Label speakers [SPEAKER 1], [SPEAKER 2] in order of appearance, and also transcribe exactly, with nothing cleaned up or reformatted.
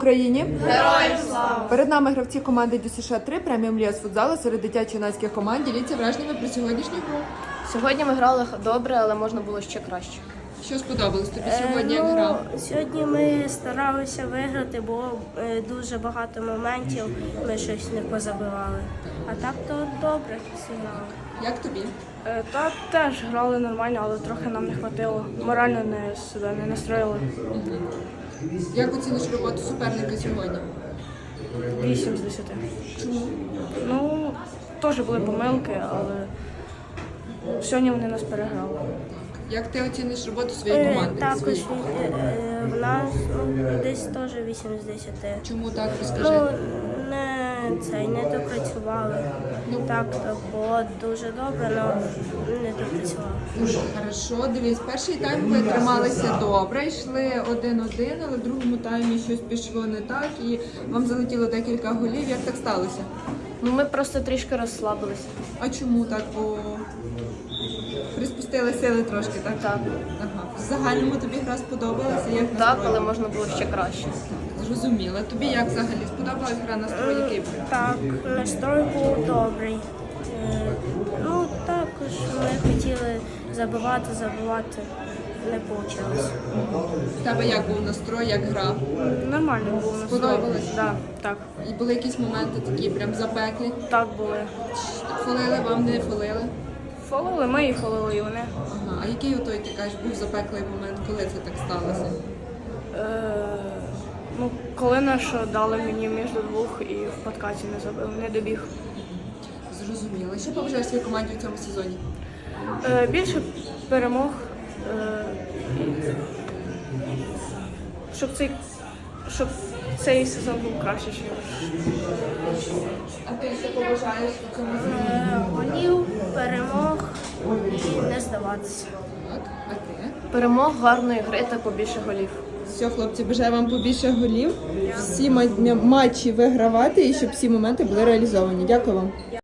[SPEAKER 1] Україні
[SPEAKER 2] Героям слава!
[SPEAKER 1] перед нами гравці команди Ді Ес Еш три преміум ліга з футзалу серед дитячо-юнацьких команд. Діліться враженнями про сьогоднішню гру.
[SPEAKER 2] Сьогодні ми грали добре, але можна було ще краще.
[SPEAKER 1] Що сподобалось тобі сьогодні,
[SPEAKER 3] Е,
[SPEAKER 1] як
[SPEAKER 3] ну,
[SPEAKER 1] гра?
[SPEAKER 3] Сьогодні ми старалися виграти, було е, дуже багато моментів, ми щось не позабивали. А так то добре зіграли.
[SPEAKER 1] Як тобі?
[SPEAKER 4] Е, Та теж грали нормально, але трохи нам не хватило. Морально не себе не настроїли.
[SPEAKER 1] Як оціниш роботу суперника сьогодні?
[SPEAKER 4] Вісім з десяти.
[SPEAKER 1] Чому?
[SPEAKER 4] Ну, теж були помилки, але сьогодні вони нас переграли.
[SPEAKER 1] Як ти оціниш роботу своєї
[SPEAKER 3] Е,
[SPEAKER 1] команди?
[SPEAKER 3] Також
[SPEAKER 1] Своєї?
[SPEAKER 3] е, е, в нас ну, десь теж вісім з десяти.
[SPEAKER 1] Чому так? Розкажи.
[SPEAKER 3] Ну, не, цей, не допрацювали. Так, то було дуже добре, але не допрацювали.
[SPEAKER 1] Хорошо, дивись, перший тайм ви трималися добре, йшли один-один, але в другому таймі щось пішло не так і вам залетіло декілька голів. Як так сталося?
[SPEAKER 2] Ну ми просто трішки розслабилися.
[SPEAKER 1] А чому так? Бо приспустили сили трошки, так?
[SPEAKER 2] Так.
[SPEAKER 1] Ага. В загальному тобі гра сподобалася? Як
[SPEAKER 2] Так,
[SPEAKER 1] настрой?
[SPEAKER 2] але можна було ще краще.
[SPEAKER 1] Зрозуміла. Тобі як взагалі сподобалась гра, настрой який був?
[SPEAKER 3] Так, настрой був добрий. Е, Ну, також ми хотіли забивати, забивати, не вийшло.
[SPEAKER 1] В тебе як був настрой, як гра?
[SPEAKER 4] Нормально було настрой.
[SPEAKER 1] Сподобалось?
[SPEAKER 4] Да, так,
[SPEAKER 1] І були якісь моменти такі прям запеклі?
[SPEAKER 4] так були.
[SPEAKER 1] Фолили, вам не фолили?
[SPEAKER 4] Фолили ми і фолили і вони.
[SPEAKER 1] Ага. А який отой, ти кажеш, був запеклий момент, коли це так сталося?
[SPEAKER 4] Е, ну, коли наш дали мені між двох і в подкаті не забив, не добіг.
[SPEAKER 1] Зрозуміло. Що побажаєш своїй команді в цьому сезоні?
[SPEAKER 4] Е, більше перемог, е, і щоб цей, щоб цей сезон був краще, ніж.
[SPEAKER 1] А ти що побажаєш в цьому сезоні?
[SPEAKER 3] Е, Голів, перемог і не здаватися.
[SPEAKER 1] Так, а ти?
[SPEAKER 2] Перемог, гарної гри та побільше голів.
[SPEAKER 1] Все, хлопці, бажаю вам побільше голів, всі ма- матчі вигравати і щоб всі моменти були реалізовані. Дякую вам.